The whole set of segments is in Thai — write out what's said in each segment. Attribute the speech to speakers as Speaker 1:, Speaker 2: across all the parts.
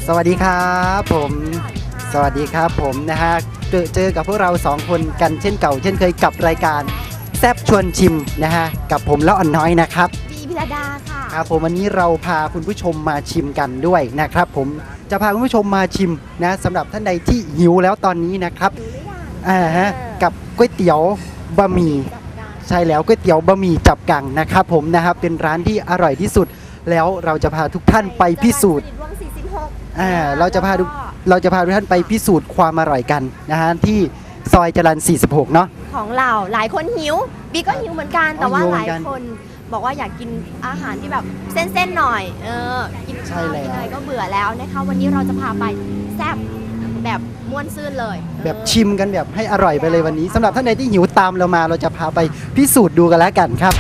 Speaker 1: สวัสดีครับผมสวัสดีครับผมนะฮะเจอกับพวกเรา2คนกันเช่นเก่าเช่นเคยกับรายการแซบชวนชิมนะฮะกับผมแล้วอ่อนน้อยนะครับ
Speaker 2: บีพิรดาค่ะ
Speaker 1: ครับผมวันนี้เราพาคุณผู้ชมมาชิมกันด้วยนะครับผมจะพาคุณผู้ชมมาชิมนะสำหรับท่านใดที่หิวแล้วตอนนี้นะครับกับก๋วยเตี๋ยวบะหมี่ใช่แล้วก๋วยเตี๋ยวบะหมี่จับกังนะครับผมนะครับเป็นร้านที่อร่อยที่สุดแล้วเราจะพาทุกท่านไปพิสูจน์เราจะพาทุกท่านไปพิสูจน์ความอร่อยกันนะฮะที่ซอยจรัญ46เนาะ
Speaker 2: ของเราหลายคนหิวบีก็หิวเหมือนกันแต่ว่าหลายคนบอกว่าอยากกินอาหารที่แบบเส้นๆหน่อยกินข้าวกินอะไรก็เบื่อแล้วนะคะวันนี้เราจะพาไปแซ่บแบบม่วนซื่นเลย
Speaker 1: แบบชิมกันแบบให้อร่อยไปเลยวันนี้สำหรับท่านใดที่หิวตามเรามาเราจะพาไปพิสูจน์ดูกันแล้วกันครับ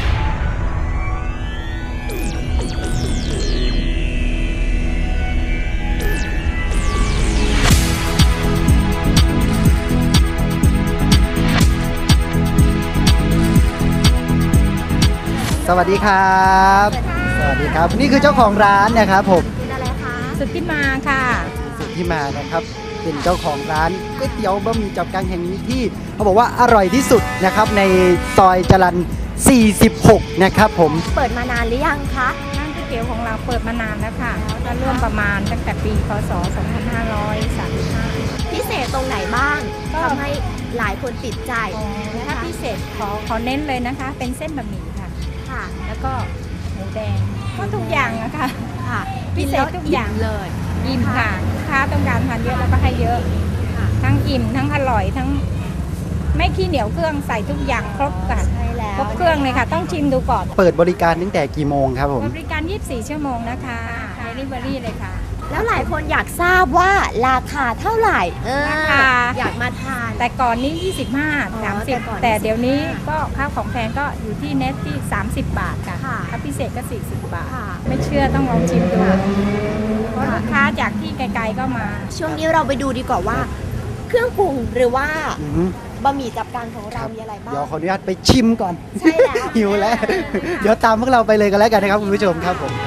Speaker 1: สวัสดีครับสวัสดีครับนี่คือเจ้าของร้านนะครับผม
Speaker 2: เป็นอะไรคะ
Speaker 3: สุทธิมาค่ะ
Speaker 1: สุทธิมานะครับเป็นเจ้าของร้านก๋วยเตี๋ยวบะหมี่จับกังแห่งนี้ที่เขาบอกว่าอร่อยที่สุดนะครับในซอยจรัญ46นะครับผม
Speaker 2: เปิดมานานหรือยังคะ
Speaker 3: ร้านก๋วยเตี๋ยวของเราเปิดมานานแล้วค่ะก็เริ่มประมาณตั้งแต่ปีพศ2535
Speaker 2: พิเศษตรงไหนบ้างทำให้หลายคนติดใจ
Speaker 3: ถ้าพิเศษขอเน้นเลยนะคะเป็นเส้นบะหมี่ค่ะแล้วก็หมูแดงก็ทุกอย่างนะคะ
Speaker 2: ค่ะพิเศษทุกอย่างเลย
Speaker 3: อิ่มค่ะลูกค้าต้องการทานเยอะแล้วก็ให้เยอะทั้งอิ่มทั้งอร่อยทั้งไม่ขี้เหนียวเครื่องใส่ทุกอย่างครบกันครบเครื่องเลยค่ะต้องชิมดูก่อน
Speaker 1: เปิดบริการตั้งแต่กี่โมงครับผม
Speaker 3: บริการ24ชั่วโมงนะคะเดลิเวอรี่เลยค่ะ
Speaker 2: แล้วหลายคนอยากทราบว่าราคาเท่าไหร่
Speaker 3: ราคา
Speaker 2: อยากมาทาน
Speaker 3: แต่ก่อนนี้25 30แต่เดี๋ยวนี้ก็ข้าวของแพงก็อยู่ที่เน็ตที่30 บาทค่ะถ้าพิเศษก็40 บาทไม่เชื่อต้องลองชิมดูเพราะลูกค้าจากที่ไกลๆก็มา
Speaker 2: ช่วงนี้เราไปดูดีกว่าว่าเครื่องปรุงหรือว่าบะหมี่จับกังของเรามีอะไรบ้าง
Speaker 1: เดี๋ยวขออนุญาตไปชิมก่อน
Speaker 2: ใช่แล้ว
Speaker 1: หิวแล้วเดี๋ยวตามพวกเราไปเลยกันแล้วกันนะครับคุณผู้ชมครับผม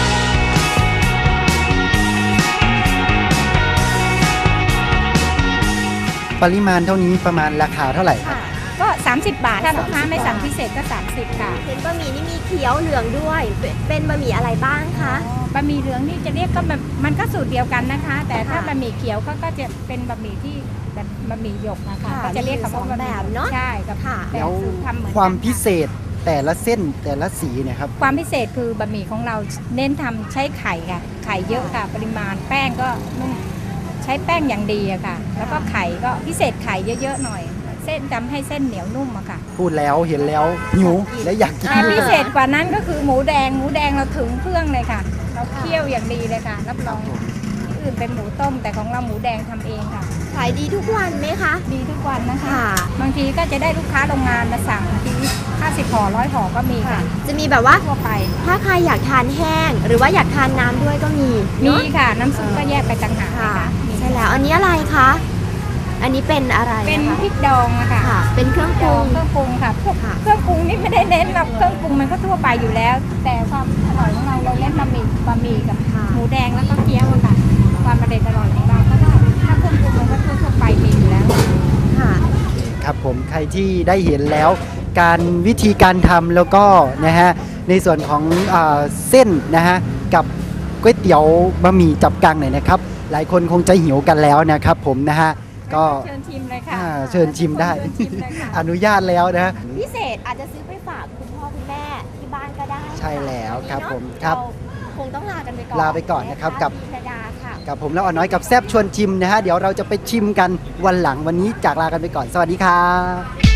Speaker 1: ปริมาณเท่านี้ประมาณราคาเท่าไหร่ครับ
Speaker 3: ก็30 บาทถ้าลูกค้าไม่สั่งพิเศษก็30ค่ะ
Speaker 2: เห็นบะหมี่นี่มีเขียวเหลืองด้วยเป็นบะหมี่อะไรบ้างคะ
Speaker 3: บะหมี่เหลืองนี่จะเรียกก็มันก็สูตรเดียวกันนะคะแต่ถ้าบะหมี่เขียวก็จะเป็นบะหมี่ที่แบบบะหมี่หยกนะคะก็จะเรียกคำว่า
Speaker 2: แบบเนาะ
Speaker 3: ใช่กับ
Speaker 1: แล้วความพิเศษแต่ละเส้นแต่ละสีเนี่ยครับ
Speaker 3: ความพิเศษคือบะหมี่ของเราเน้นทำใช้ไข่ค่ะไข่เยอะค่ะปริมาณแป้งก็นุ่มใช้แป้งอย่างดีอะค่ะแล้วก็ไข่ก็พิเศษไข่เยอะๆหน่อยเส้นทำให้เส้นเหนียวนุ่มอะค่ะ
Speaker 1: พูดแล้วเห็นแล้วหิวและอยากกิน
Speaker 3: พิเศษกว่านั้นก็คือหมูแดงเราถึงเครื่องเลยค่ะเราเคี่ยวอย่างดีเลยค่ะรับรองที่อื่นเป็นหมูต้มแต่ของเราหมูแดงทำเองค่ะ
Speaker 2: ขายดีทุกวันไหมคะ
Speaker 3: ดีทุกวันนะคะบางทีก็จะได้ลูกค้าโรงงานมาสั่งที50 ห่อ100 ห่อก็มีค่ะ
Speaker 2: จะมีแบบว่า
Speaker 3: ทั่วไป
Speaker 2: ถ้าใครอยากทานแห้งหรือว่าอยากทานน้ำด้วยก็มี
Speaker 3: ค่ะน้ำซุปก็แยกไปต่างหาก
Speaker 2: ค่ะใช่แล้วอันนี้อะไรคะอันนี้เป็นอะไร
Speaker 3: เป็นพริกดองอะค่ะ
Speaker 2: เป็นเครื่องปรุง
Speaker 3: ค่ะพวกเครื่องปรุงนี่ไม่ได้เน้นหรอกเครื่องปรุงมันก็ทั่วไปอยู่แล้วแต่ความอร่อยของเราเน้นบะหมี่กับหมูแดงแล้วก็เกี๊ยวค่ะความอร่อยของเราก็ได้ถ้าเครื่องปรุงมันก็ทั่วไปมีอยู่แล้ว
Speaker 2: ค่ะ
Speaker 1: ครับผมใครที่ได้เห็นแล้วการวิธีการทำแล้วก็นะฮะในส่วนของเส้นนะฮะกับก๋วยเตี๋ยวบะหมี่จับกังเนี่ยนะครับหลายคนคงจะหิวกันแล้วนะครับผมนะฮะก็
Speaker 3: เชิญชิมเลยค่ะ
Speaker 1: เชิญชิมได้อนุญาตแล้วนะ
Speaker 2: พิเศษอาจจะซื้อไปฝากคุณพ่อคุณแม่ที่บ้านก็ได้
Speaker 1: ใช่แล้วครับผมครับ
Speaker 2: คงต้องลากันไปก่อน
Speaker 1: ลาไปก่อนนะครับกับผมแล้วอ่อนน้อยกับแซบชวนชิมนะฮะเดี๋ยวเราจะไปชิมกันวันหลังวันนี้จากลากันไปก่อนสวัสดีครับ